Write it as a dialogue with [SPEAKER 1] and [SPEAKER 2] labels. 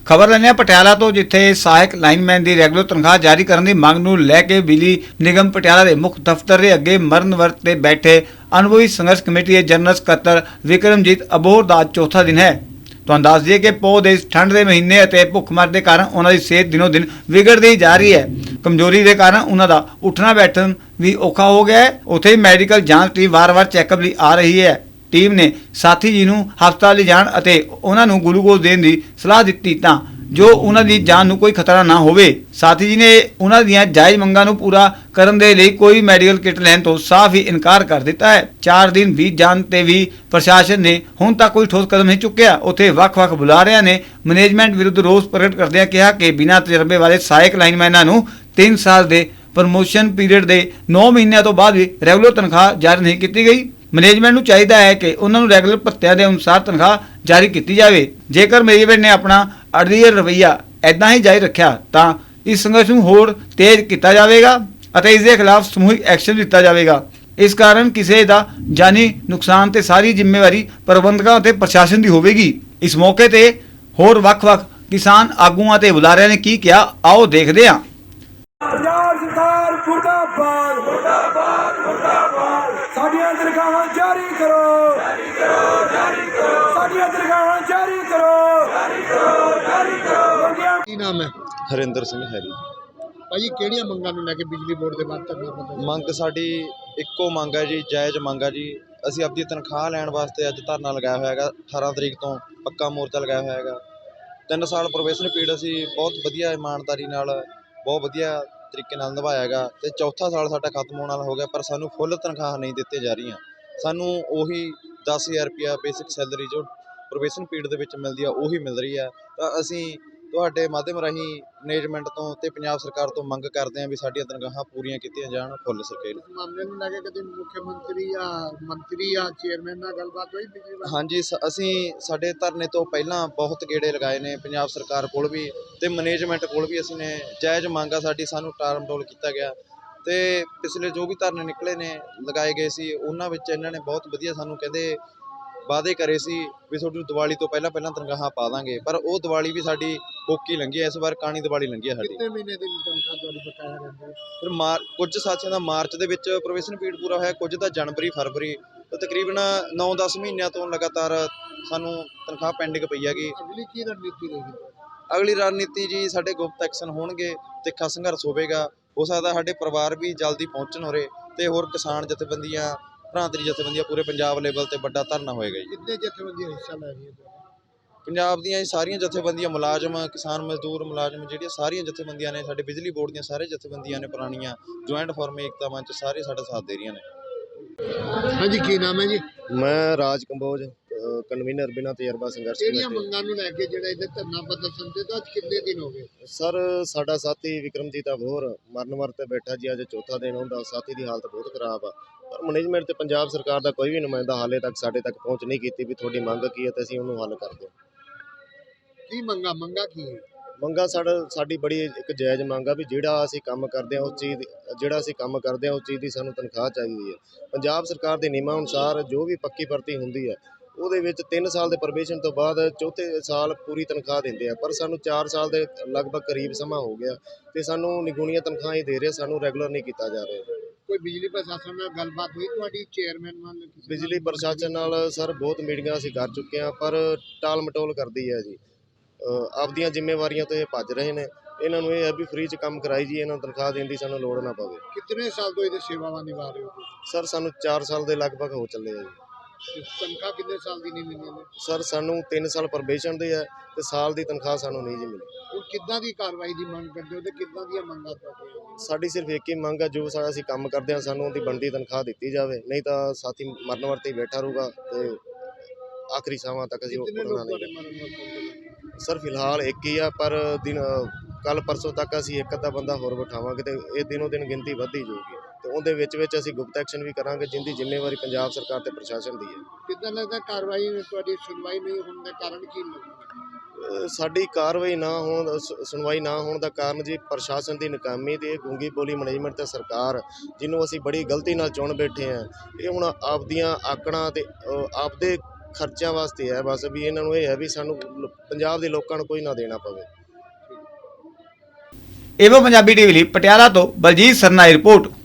[SPEAKER 1] खबर लैने पटियाला तो जिथे सहायक लाइनमैन की रैगूलर तनख्वाह जारी करने की मांग नूं लैके बिजली निगम पटियाला के मुख दफ्तर के अगे मरण वर्त ते बैठे अनुभवी संघर्ष कमेटी के जनरल सकत्तर विक्रमजीत अबोहर का चौथा दिन है। तो दस दिए कि पौध इस ठंड के महीने और भुखमर के कारण उन्होंने सेहत दिनों दिन विगड़ती जा रही है। कमजोरी के कारण उन्होंने उठना बैठना भी औखा हो गया है। उत्थे मैडिकल जांच टीम वार वार चैकअप लिए आ रही है। टीम ने साथी जी नूं हस्पताल ले जाण अते उन्हां नूं ग्लूकोज देण दी सलाह दित्ती तां जो उन्हां दी जान नूं कोई खतरा ना होवे। साथी जी ने उन्हां दीआं जायज़ मंगां नूं पूरा करन दे लई कोई मैडिकल किट लैण तो साफ ही इनकार कर दिता है। 4 दिन बीत जाण ते भी प्रशासन ने हुण तक कोई ठोस कदम नहीं चुक्या। उत्थे ਵੱਖ-ਵੱਖ बुलारिਆਂ ने मैनेजमेंट विरुद्ध रोस प्रगट करदिआं कहा कि बिना तजर्बे वाले सहायक लाइनमैनां नूं 3 साल दे प्रमोशन पीरियड के 9 महीनों तो बाद भी रैगूलर तनख्वाह जारी नहीं की गई। मैनेजमेंट नूं चाहिदा है कि उन्होंने रैगूलर भत्तिਆਂ के अनुसार तनख्वाह जारी की जाए। जेकर मैनेजमेंट ने अपना अड़ियल रवैया इदां ही जारी रखा तो इस संघर्ष नूं होर तेज किया जाएगा और इसके खिलाफ समूहिक एक्शन लिया जाएगा। इस कारण किसी का जानी नुकसान ते सारी जिम्मेवारी प्रबंधकों ते प्रशासन की होगी। इस मौके ते होर ਵੱਖ-ਵੱਖ किसान आगूआं ते बुलारिਆਂ ने की किया, आओ देखते हैं।
[SPEAKER 2] ਪੰਜਾਬ ਸਰਕਾਰ ਮੁਰਦਾਬਾਦ ਮੁਰਦਾਬਾਦ ਮੁਰਦਾਬਾਦ ਸਾਡੀਆਂ ਤਨਖਾਹਾਂ ਜਾਰੀ ਕਰੋ ਜਾਰੀ ਕਰੋ ਜਾਰੀ ਕਰੋ ਸਾਡੀਆਂ ਤਨਖਾਹਾਂ ਜਾਰੀ ਕਰੋ ਜਾਰੀ ਕਰੋ ਜਾਰੀ ਕਰੋ।
[SPEAKER 3] ਕੀ ਨਾਮ ਹੈ?
[SPEAKER 4] ਹਰਿੰਦਰ ਸਿੰਘ ਹੈਰੀ।
[SPEAKER 3] ਭਾਜੀ ਕਿਹੜੀਆਂ ਮੰਗਾਂ ਨੂੰ ਲੈ ਕੇ ਬਿਜਲੀ ਬੋਰਡ ਦੇ ਬਾਅਦ ਧਰਨਾ ਪ੍ਰਦਰਸ਼ਨ?
[SPEAKER 4] ਮੰਗ ਸਾਡੀ ਇੱਕੋ ਮੰਗ ਹੈ ਜੀ, ਜਾਇਜ਼ ਮੰਗ ਹੈ ਜੀ। ਅਸੀਂ ਆਪਣੀ ਤਨਖਾਹ ਲੈਣ ਵਾਸਤੇ ਅੱਜ ਧਰਨਾ ਲਗਾਇਆ ਹੋਇਆ ਹੈਗਾ। 18 ਤਰੀਕ ਤੋਂ ਪੱਕਾ ਮੋਰਚਾ ਲਗਾਇਆ ਹੋਇਆ ਹੈਗਾ। 3 ਸਾਲ ਪ੍ਰੋਬੇਸ਼ਨ ਪੀਰੀਅਡ ਅਸੀਂ ਬਹੁਤ ਵਧੀਆ ਇਮਾਨਦਾਰੀ ਨਾਲ ਬਹੁਤ ਵਧੀਆ ਤਰੀਕੇ ਨਾਲ ਨਿਭਾਇਆ ਹੈਗਾ ਤੇ ਚੌਥਾ ਸਾਲ ਸਾਡਾ ਖਤਮ ਹੋਣ ਵਾਲਾ ਹੋ ਗਿਆ, ਪਰ ਸਾਨੂੰ ਫੁੱਲ ਤਨਖਾਹ ਨਹੀਂ ਦਿੱਤੀ ਜਾ ਰਹੀਆਂ। ਸਾਨੂੰ ਉਹੀ 10,000 ਰੁਪਇਆ ਬੇਸਿਕ ਸੈਲਰੀ ਜੋ ਪ੍ਰੋਬੇਸ਼ਨ ਪੀਰੀਅਡ ਦੇ ਵਿੱਚ ਮਿਲਦੀ ਆ ਉਹੀ ਮਿਲ ਰਹੀ ਆ। ਤਾਂ ਅਸੀਂ ਤੁਹਾਡੇ ਮਾਧਿਅਮ ਰਾਹੀਂ ਮੈਨੇਜਮੈਂਟ ਤੋਂ ਤੇ ਪੰਜਾਬ ਸਰਕਾਰ ਤੋਂ ਮੰਗ ਕਰਦੇ ਹਾਂ ਵੀ ਸਾਡੀਆਂ ਤਨਖਾਹਾਂ ਪੂਰੀਆਂ ਕੀਤੀਆਂ ਜਾਣ ਫੁੱਲ ਸਕੇਲ।
[SPEAKER 3] ਇਸ ਮਾਮਲੇ ਨੂੰ ਲੈ ਕੇ ਕਦੇ ਮੁੱਖ ਮੰਤਰੀ ਜਾਂ ਮੰਤਰੀ ਜਾਂ ਚੇਅਰਮੈਨ ਨਾਲ ਗੱਲਬਾਤ ਹੋਈ ਬਿਜਲੀ ਬਾਰੇ?
[SPEAKER 4] ਹਾਂਜੀ, ਅਸੀਂ ਸਾਡੇ ਧਰਨੇ ਤੋਂ ਪਹਿਲਾਂ ਬਹੁਤ ਗੇੜੇ ਲਗਾਏ ਨੇ ਪੰਜਾਬ ਸਰਕਾਰ ਕੋਲ ਵੀ ਤੇ ਮੈਨੇਜਮੈਂਟ ਕੋਲ ਵੀ। ਅਸੀਂ ਨੇ ਜਾਇਜ਼ ਮੰਗ ਆ ਸਾਡੀ, ਸਾਨੂੰ ਟਾਲ ਮਟੋਲ ਕੀਤਾ ਗਿਆ ਤੇ ਪਿਛਲੇ ਜੋ ਵੀ ਧਰਨੇ ਨਿਕਲੇ ਨੇ ਲਗਾਏ ਗਏ ਸੀ ਉਹਨਾਂ ਵਿੱਚ ਇਹਨਾਂ ਨੇ ਬਹੁਤ ਵਧੀਆ ਸਾਨੂੰ ਕਹਿੰਦੇ ਵਾਅਦੇ ਕਰੇ ਸੀ ਵੀ ਤੁਹਾਨੂੰ ਦੀਵਾਲੀ ਤੋਂ ਪਹਿਲਾਂ ਤਨਖਾਹਾਂ ਪਾ ਦਾਂਗੇ, ਪਰ ਉਹ ਦੀਵਾਲੀ ਵੀ ਸਾਡੀ ਹੋਕੀ ਲੰਘੀ ਹੈ। ਇਸ ਵਾਰ ਕਾਣੀ ਦੀਵਾਲੀ ਲੰਘੀ ਹੈ ਸਾਡੀ।
[SPEAKER 3] ਕਿੰਨੇ ਮਹੀਨੇ ਦੀ ਤਨਖਾਹ ਤੁਹਾਡੀ ਬਕਾਇਆ ਰਹਿੰਦੀ ਹੈ?
[SPEAKER 4] ਫਿਰ ਕੁਝ ਸਾਥੀਆਂ ਦਾ ਮਾਰਚ ਦੇ ਵਿੱਚ ਪ੍ਰੋਬੇਸ਼ਨ ਪੀਰੀਅਡ ਪੂਰਾ ਹੋਇਆ, ਕੁਝ ਦਾ ਜਨਵਰੀ ਫਰਵਰੀ ਤੋਂ ਤਕਰੀਬਨ 9-10 ਮਹੀਨਿਆਂ ਤੋਂ ਲਗਾਤਾਰ ਸਾਨੂੰ ਤਨਖਾਹ ਪੈਂਡਿੰਗ ਪਈ ਹੈਗੀ।
[SPEAKER 3] ਅਗਲੀ ਕੀ ਰਣਨੀਤੀ ਰਹੇਗੀ?
[SPEAKER 4] ਅਗਲੀ ਰਣਨੀਤੀ ਜੀ ਸਾਡੇ ਗੁਪਤ ਐਕਸ਼ਨ ਹੋਣਗੇ, ਤਿੱਖਾ ਸੰਘਰਸ਼ ਹੋਵੇਗਾ। ਹੋ ਸਕਦਾ ਸਾਡੇ ਪਰਿਵਾਰ ਵੀ ਜਲਦੀ ਪਹੁੰਚਣ ਉਰੇ ਤੇ ਹੋਰ ਕਿਸਾਨ ਜਥੇਬੰਦੀਆਂ ਭਰਾਂਤਰੀ ਜਥੇਬੰਦੀਆਂ ਪੂਰੇ ਪੰਜਾਬ ਲੈਵਲ ਤੇ ਵੱਡਾ ਧਰਨਾ ਹੋਏਗਾ ਜੀ।
[SPEAKER 3] ਕਿੰਨੇ ਜਥੇਬੰਦੀਆਂ ਹਿੱਸਾ ਲੈ ਰਹੀਆਂ?
[SPEAKER 4] ਪੰਜਾਬ ਦੀਆਂ ਸਾਰੀਆਂ ਜਥੇਬੰਦੀਆਂ, ਮੁਲਾਜ਼ਮ, ਕਿਸਾਨ ਮਜ਼ਦੂਰ ਮੁਲਾਜ਼ਮ, ਜਿਹੜੀਆਂ ਸਾਰੀਆਂ ਜਥੇਬੰਦੀਆਂ ਨੇ ਸਾਡੇ ਬਿਜਲੀ ਬੋਰਡ ਦੀਆਂ ਸਾਰੇ ਜਥੇਬੰਦੀਆਂ ਨੇ ਪੁਰਾਣੀਆਂ ਜੁਆਇੰਟ ਫੋਰਮ ਏਕਤਾ ਮੰਚ ਸਾਰੇ ਸਾਡਾ ਸਾਥ ਦੇ ਰਹੀਆਂ ਨੇ।
[SPEAKER 3] ਹਾਂਜੀ ਕੀ ਨਾਮ ਹੈ ਜੀ?
[SPEAKER 5] ਮੈਂ ਰਾਜ ਕੰਬੋਜ, ਕਨਵੀਨਰ ਬਿਨਾਂ ਤਜਰਬਾ ਸੰਘਰਸ਼
[SPEAKER 3] ਕਿਹੜੀਆਂ
[SPEAKER 5] ਕਮੇਟੀ।
[SPEAKER 3] ਮੰਗਾਂ ਨੂੰ ਲੈ ਕੇ ਜਿਹੜਾ ਇਹਦੇ ਧਰਨਾ ਪ੍ਰਦਰਸ਼ਨ ਤੇ ਤਾਂ ਅੱਜ ਕਿੰਨੇ ਦਿਨ ਹੋ ਗਏ?
[SPEAKER 5] ਸਰ ਸਾਡਾ ਸਾਥੀ ਵਿਕਰਮਜੀਤ ਅਬੋਹਰ ਮਰਨ ਵਰਤ ਤੇ ਬੈਠਾ ਜੀ, ਅੱਜ ਚੌਥਾ ਦਿਨ ਹੁੰਦਾ। ਸਾਥੀ ਦੀ ਹਾਲਤ ਬਹੁਤ ਖਰਾਬ ਆ, ਪਰ ਮੈਨੇਜਮੈਂਟ ਤੇ ਪੰਜਾਬ ਸਰਕਾਰ ਦਾ ਕੋਈ ਵੀ ਨੁਮਾਇੰਦਾ ਹਾਲੇ ਤੱਕ ਸਾਡੇ ਤੱਕ ਪਹੁੰਚ ਨਹੀਂ ਕੀਤੀ ਵੀ ਤੁਹਾਡੀ ਮੰਗ ਕੀ ਹੈ ਤੇ ਅਸੀਂ ਉਹਨੂੰ ਹੱਲ ਕਰ ਦਿਓ।
[SPEAKER 3] ਕੀ ਮੰਗਾਂ ਕੀ ਹੈ?
[SPEAKER 5] ਮੰਗਾਂ ਸਾਡੀ ਬੜੀ ਇੱਕ ਜਾਇਜ਼ ਮੰਗ ਆ ਵੀ ਜਿਹੜਾ ਅਸੀਂ ਕੰਮ ਕਰਦੇ ਹਾਂ ਉਸ ਚੀਜ਼ ਦੀ ਸਾਨੂੰ ਤਨਖਾਹ ਚਾਹੀਦੀ ਹੈ। ਪੰਜਾਬ ਸਰਕਾਰ ਦੇ ਨਿਯਮਾਂ ਅਨੁਸਾਰ ਜੋ ਵੀ ਪੱਕੀ ਭਰਤੀ ਹੁੰਦੀ ਹੈ ਉਹਦੇ ਵਿੱਚ 3 ਸਾਲ ਦੇ ਪ੍ਰੋਬੇਸ਼ਨ ਤੋਂ ਬਾਅਦ ਚੌਥੇ ਸਾਲ ਪੂਰੀ ਤਨਖਾਹ ਦਿੰਦੇ ਆ, ਪਰ ਸਾਨੂੰ 4 ਸਾਲ ਦੇ ਲਗਭਗ ਕਰੀਬ ਸਮਾਂ ਹੋ ਗਿਆ ਤੇ ਸਾਨੂੰ ਨਿਗੁਣੀਆਂ ਤਨਖਾਹਾਂ ਹੀ ਦੇ ਰਹੇ, ਸਾਨੂੰ ਰੈਗੂਲਰ ਨਹੀਂ ਕੀਤਾ ਜਾ ਰਿਹਾ।
[SPEAKER 3] ਕੋਈ ਬਿਜਲੀ ਪ੍ਰਸ਼ਾਸਨ ਨਾਲ ਗੱਲਬਾਤ ਹੋਈ ਤੁਹਾਡੀ ਚੇਅਰਮੈਨ ਨਾਲ?
[SPEAKER 5] ਬਿਜਲੀ ਪ੍ਰਸ਼ਾਸਨ ਨਾਲ ਸਰ ਬਹੁਤ ਮੀਟਿੰਗਾਂ ਅਸੀਂ ਕਰ ਚੁੱਕੇ ਹਾਂ, ਪਰ ਟਾਲ ਮਟੋਲ ਕਰਦੀ ਹੈ ਜੀ। ਆਪਦੀਆਂ ਜ਼ਿੰਮੇਵਾਰੀਆਂ ਤੋਂ ਇਹ ਭੱਜ ਰਹੇ ਨੇ। ਇਹਨਾਂ ਨੂੰ ਇਹ ਹੈ ਵੀ ਫ੍ਰੀ 'ਚ ਕੰਮ ਕਰਾਈ ਜੀ, ਇਹਨਾਂ ਨੂੰ ਤਨਖਾਹ ਦੇਣ ਦੀ ਸਾਨੂੰ ਲੋੜ ਨਾ ਪਵੇ।
[SPEAKER 3] ਕਿੰਨੇ ਸਾਲ ਤੋਂ ਇਹਦੇ ਸੇਵਾਵਾਂ ਨਿਭਾ ਰਹੇ ਹੋ?
[SPEAKER 5] ਸਰ ਸਾਨੂੰ 4 ਸਾਲ ਦੇ ਲਗਭਗ ਹੋ ਚੱਲੇ ਆ ਜੀ।
[SPEAKER 3] ਤਨਖਾਹ ਕਿੰਨੇ ਸਾਲ ਦੀ ਨਹੀਂ ਮਿਲੀ ਨੇ?
[SPEAKER 5] ਸਰ ਸਾਨੂੰ 3 ਸਾਲ ਪ੍ਰੋਬੇਸ਼ਨ ਦੇ ਹੈ ਤੇ ਸਾਲ ਦੀ ਤਨਖਾਹ ਸਾਨੂੰ ਨਹੀਂ ਜੀ ਮਿਲੀ।
[SPEAKER 3] ਹੁਣ ਕਿੱਦਾਂ ਦੀ ਕਾਰਵਾਈ ਦੀ ਮੰਗ ਕਰਦੇ ਹੋ ਤੇ ਕਿੱਦਾਂ ਦੀਆਂ ਮੰਗਾਂ ਤੁਹਾਡੀਆਂ?
[SPEAKER 5] ਸਾਡੀ ਸਿਰਫ ਇੱਕ ਹੀ ਮੰਗ ਹੈ, ਜੋ ਅਸੀਂ ਕੰਮ ਕਰਦੇ ਹਾਂ ਸਾਨੂੰ ਉਹਦੀ ਬਣਦੀ ਤਨਖਾਹ ਦਿੱਤੀ ਜਾਵੇ, ਨਹੀਂ ਤਾਂ ਸਾਥੀ ਮਰਨ ਵਰਤੇ ਬੈਠਾ ਰਹੂਗਾ ਤੇ ਆਖਰੀ ਸਾਹਾਂ ਤੱਕ ਅਸੀਂ
[SPEAKER 3] ਕਿੰਨੇ
[SPEAKER 5] ਉੱਪਰ
[SPEAKER 3] ਲੋਕ ਤੁਹਾਡੇ
[SPEAKER 5] ਨਹੀਂ।
[SPEAKER 3] ਮਰਨ ਵਰਤੋਂ?
[SPEAKER 5] ਸਰ ਫਿਲਹਾਲ ਇੱਕ ਹੀ ਆ, ਪਰ ਕੱਲ ਪਰਸੋਂ ਤੱਕ ਅਸੀਂ ਇੱਕ ਅੱਧਾ ਬੰਦਾ ਹੋਰ ਬਿਠਾਵਾਂਗੇ ਤੇ ਇਹ ਦਿਨੋਂ ਦਿਨ ਗਿਣਤੀ ਵੱਧਦੀ ਜਾਊਗੀ ਤੇ ਉਹਦੇ ਵਿੱਚ ਅਸੀਂ ਗੁਪਤ ਐਕਸ਼ਨ ਵੀ ਕਰਾਂਗੇ, ਜਿੰਦੀ ਜ਼ਿੰਮੇਵਾਰੀ ਪੰਜਾਬ ਸਰਕਾਰ ਤੇ ਪ੍ਰਸ਼ਾਸਨ ਦੀ ਹੈ।
[SPEAKER 3] ਕਿੱਦਾਂ ਲੱਗਦਾ ਕਾਰਵਾਈ ਤੁਹਾਡੀ ਸੁਣਵਾਈ ਨਹੀਂ ਹੋਣ ਦਾ ਕਾਰਨ ਕੀ ਲੱਗਦਾ?
[SPEAKER 5] ਸਾਡੀ ਕਾਰਵਾਈ ਨਾ ਹੋਣ, ਸੁਣਵਾਈ ਨਾ ਹੋਣ ਦਾ ਕਾਰਨ ਜੀ ਪ੍ਰਸ਼ਾਸਨ ਦੀ ਨਾਕਾਮੀ ਤੇ ਗੂੰਗੀ ਬੋਲੀ ਮੈਨੇਜਮੈਂਟ ਤੇ ਸਰਕਾਰ, ਜਿਹਨੂੰ ਅਸੀਂ ਬੜੀ ਗਲਤੀ ਨਾਲ ਚੁਣ ਬੈਠੇ ਹਾਂ। ਇਹ ਹੁਣ ਆਪਦੀਆਂ ਆਕੜਾਂ ਤੇ ਆਪਦੇ ਖਰਚਿਆਂ ਵਾਸਤੇ ਹੈ ਬਸ, ਵੀ ਇਹਨਾਂ ਨੂੰ ਇਹ ਹੈ ਵੀ ਸਾਨੂੰ ਪੰਜਾਬ ਦੇ ਲੋਕਾਂ ਨੂੰ ਕੋਈ ਨਾ ਦੇਣਾ ਪਵੇ।
[SPEAKER 1] ਏਵੋ ਪੰਜਾਬੀ ਟੀਵੀ ਲਈ ਪਟਿਆਲਾ ਤੋਂ ਬਲਜੀਤ ਸਰਨਾ ਦੀ ਰਿਪੋਰਟ।